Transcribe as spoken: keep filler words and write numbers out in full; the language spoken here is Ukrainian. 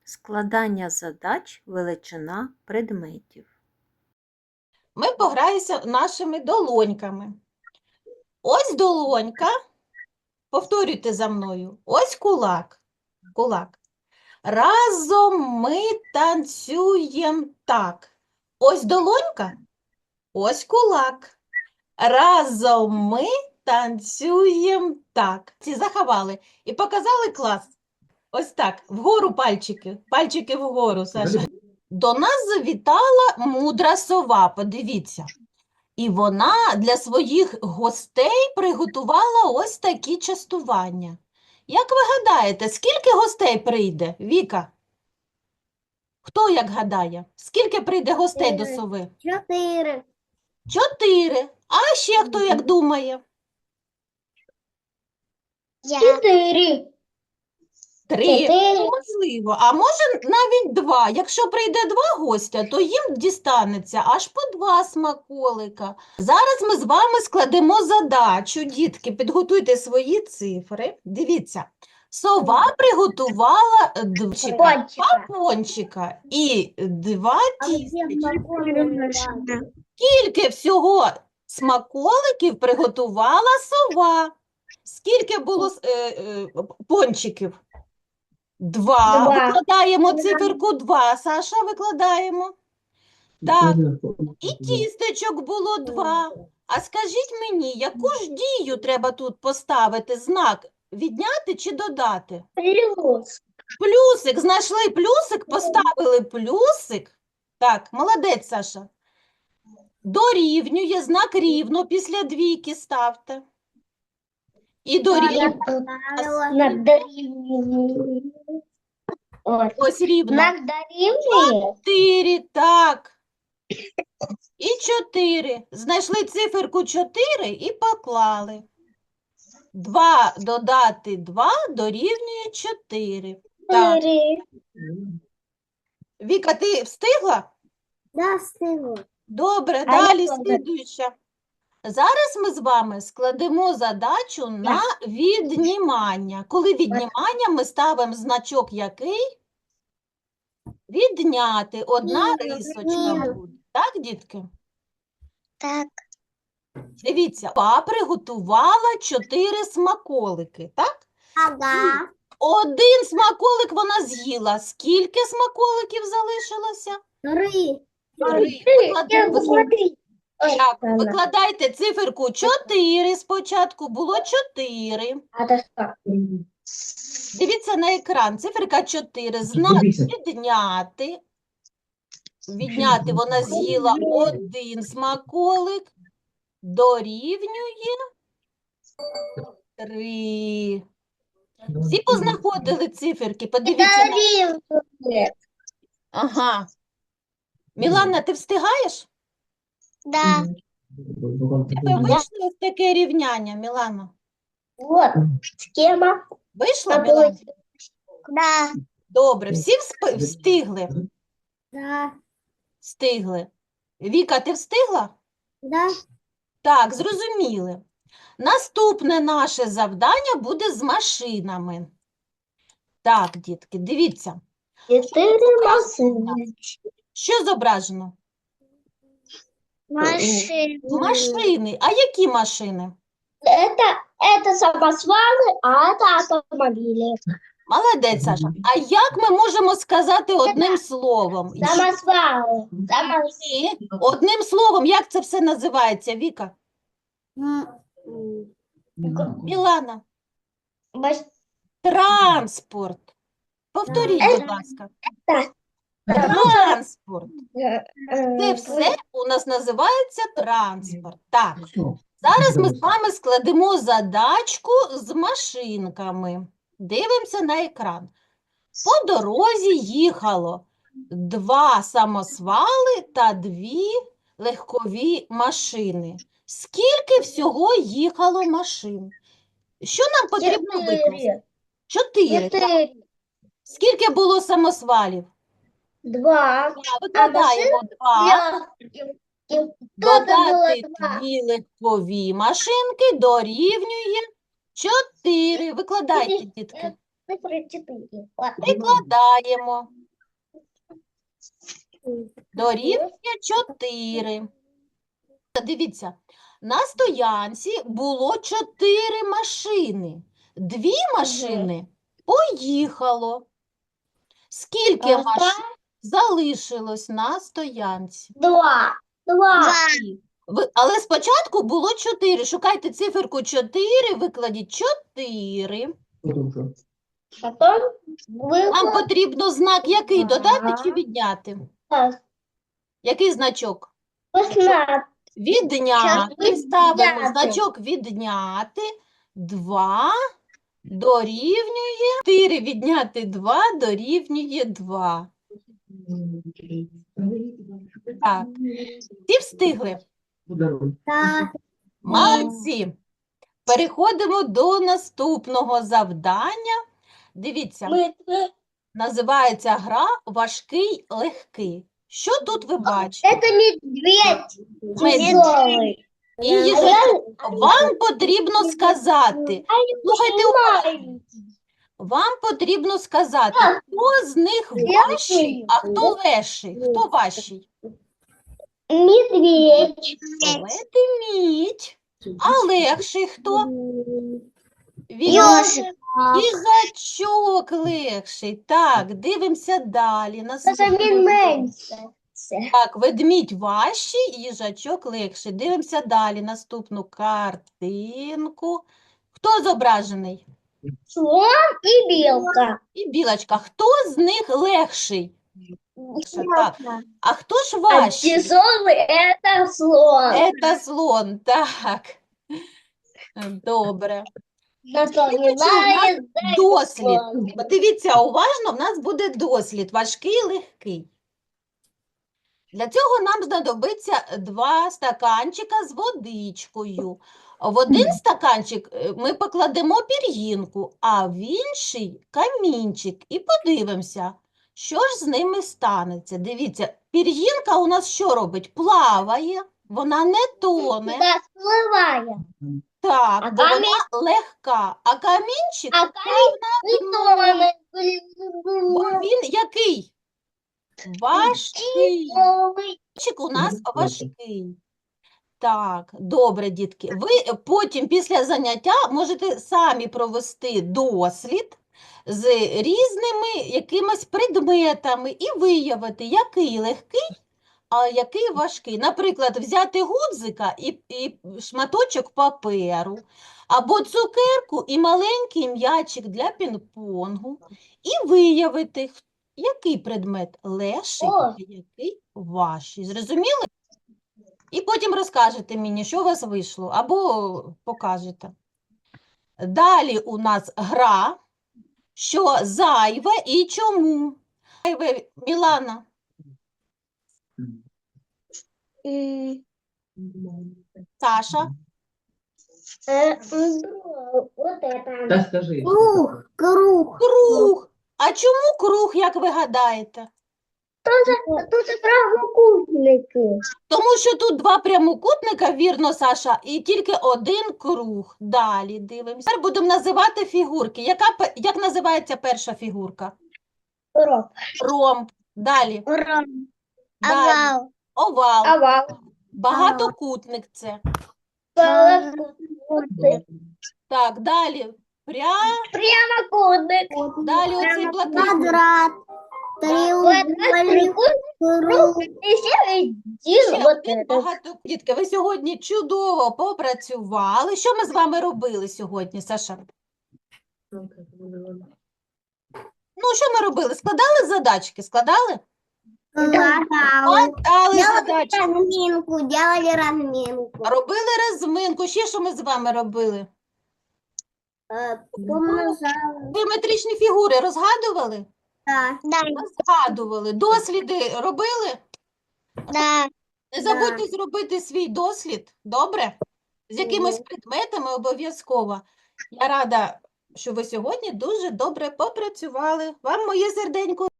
Складання задач, величина предметів. Ми пограємося нашими долоньками. Ось долонька. Повторюйте за мною. Ось кулак. Кулак. Разом ми танцюємо так. Ось долонька. Ось кулак. Разом ми танцюємо так. Ці заховали і показали клас. Ось так. Вгору пальчики. Пальчики вгору, Саша. До нас завітала мудра сова, подивіться. І вона для своїх гостей приготувала ось такі частування. Як ви гадаєте, скільки гостей прийде, Віка? Хто як гадає? Скільки прийде гостей до сови? Чотири. Чотири. А ще хто як думає? Чотири. Три. Чотири. Можливо. А може навіть два. Якщо прийде два гостя, то їм дістанеться аж по два смаколика. Зараз ми з вами складемо задачу. Дітки, підготуйте свої цифри. Дивіться. Сова приготувала два Пончика. пончика і два А где тістечка. смаколики? Скільки всього смаколиків приготувала сова? Скільки було е, е, пончиків? Два. Два. Викладаємо циферку два. Саша, викладаємо. Так, і тістечок було два. А скажіть мені, яку ж дію треба тут поставити? Знак відняти чи додати? Плюс. Плюсик. Знайшли плюсик, поставили плюсик. Так, молодець, Саша. Дорівнює, знак рівно після двійки ставте. І дорівнює. Знак дорівнює. Ось. Ось рівно. Знак дорівнює. Чотири, так. І чотири. Знайшли циферку чотири і поклали. Два додати два дорівнює чотири. Так. Чотири. Віка, ти встигла? Да, встигла. Добре, А далі я теж. слідуюча. Зараз ми з вами складемо задачу на віднімання. Коли віднімання, ми ставимо значок який? Відняти. Одна Ні, рисочка ні. буде. Так, дітки? Так. Дивіться, па приготувала чотири смаколики, так? Ага. Один смаколик вона з'їла. Скільки смаколиків залишилося? Три. Три. Викладай- Я посмотри. Так, викладайте циферку чотири спочатку, було чотири. А це що? Дивіться на екран, циферка чотири, знак Дивіться. відняти. Відняти вона з'їла один смаколик, дорівнює три. Всі познаходили циферки, подивіться. на- Дорівнює. Ага. Мілана, ти встигаєш? Да. Тебе вийшло ось таке рівняння, Мілана? Вот. Схема. Вийшла, Мілана? Да. Добре, всі всп- встигли? Да. Встигли. Віка, ти встигла? Да. Так, зрозуміли. Наступне наше завдання буде з машинами. Так, дітки, дивіться. Чотири машини. Що зображено? Машини. Машини. А які машини? Это, это самосвалы, а это автомобили. Молодець, Саша. А як ми можемо сказати одним словом? Самосвалы. Самос... Ні. Одним словом, як це все називається, Віка? Мілана. Маш- Транспорт. Повторіть, будь ласка. Так. Транспорт. Це Це все у нас називається транспорт. Так, зараз ми з вами складемо задачку з машинками. Дивимося на екран. По дорозі їхало два самосвали та дві легкові машини. Скільки всього їхало машин? Що нам потрібно викласти? Чотири. так? Чотири. Скільки було самосвалів? Два. Так, Викладаємо два. Додати два. дві легкові машинки дорівнює чотири. Викладайте, дітки. Цифра четыре. Вот. Прикладаємо. Дорівнює чотири. Дивіться, на стоянці було чотири машини. Дві машини поїхало. Скільки Ага. машин залишилось на стоянці? Два. Два. Ви- Але спочатку було чотири. Шукайте циферку чотири, викладіть чотири. Потом Нам было потрібно знак який? Додати чи Ага. відняти? Який значок? шестнадцать. Відняти. Щас Ставимо відняти. значок відняти. два дорівнює. чотири відняти два дорівнює два. Так. Всі встигли? Да. Молодці. Переходимо до наступного завдання. Дивіться, Мы називається гра «Важкий легкий». Що тут ви бачите? Это медведь. Медведь. Тяжелый. І їжачок. Вам потрібно сказати, слухайте уважно. Вам потрібно сказати, хто з них важчий, а хто легший. Хто важчий? Медведь. Ведмідь. А легший хто? Він Ёжик. їжачок легший. Так, дивимося далі. Наступний. меньше. Так, ведмідь важчий, їжачок легший. Дивимося далі. Наступну картинку. Хто зображений? Слон и белка. І білочка. Хто з них легший? Так. А хто ж А важчий? тяжелый это слон. Це слон, так. Добре. Напоминает Дослід. слон. Подивіться уважно, в нас буде дослід. Важкий, легкий. Для цього нам знадобиться два стаканчика з водичкою. В один стаканчик е, ми покладемо пір'їнку, а в інший камінчик. І подивимося, що ж з ними станеться. Дивіться, пір'їнка у нас що робить? Плаває, вона не тоне. Да, всплывая. Так, А бо камінь- вона легка. А камінчик, А камень не тонет. бо він який? Важкий. Тяжелый. Камінчик у нас важкий. Так, добре, дітки. Ви потім після заняття можете самі провести дослід з різними якимись предметами і виявити, який легкий, а який важкий. Наприклад, взяти гудзика і, і шматочок паперу, або цукерку і маленький м'ячик для пінг-понгу, і виявити, х- який предмет легший, О. а який важчий. Зрозуміли? І потім розкажете мені, що у вас вийшло, або покажете. Далі у нас гра, що зайве і чому. Зайве, Мілана. М, Саша. э, м, Вот это. Та скажи. Круг, круг. Круг. А чому круг, як ви гадаєте? Тут и прямокутники. Тому що тут два прямокутника, вірно, Саша, і тільки один круг. Далі дивимося. Тепер будемо називати фігурки. Яка, пе- як називається перша фігурка? Роб. Ромб. Далі. Роб. Далі. Овал. Овал. Багатокутник це. Прямокутник. Так, далі. Пря... Прямокутник. Далі оцей блакитний. Квадрат. Треугольник. Круг. И все один Ще вот один этот. багато... Дітки, ви сьогодні чудово попрацювали. Що ми з вами робили сьогодні, Саша? Ну, що ми робили? Складали задачки? Складали? Складали задачки. разминку, делали разминку. Робили розминку. Ще що ми з вами робили? Геометричні фігури розгадували? Да. Розгадували. Досліди робили? Да. Не забудьте зробити свій дослід, добре? З якимись предметами обов'язково. Я рада, що ви сьогодні дуже добре попрацювали. Вам моє серденько.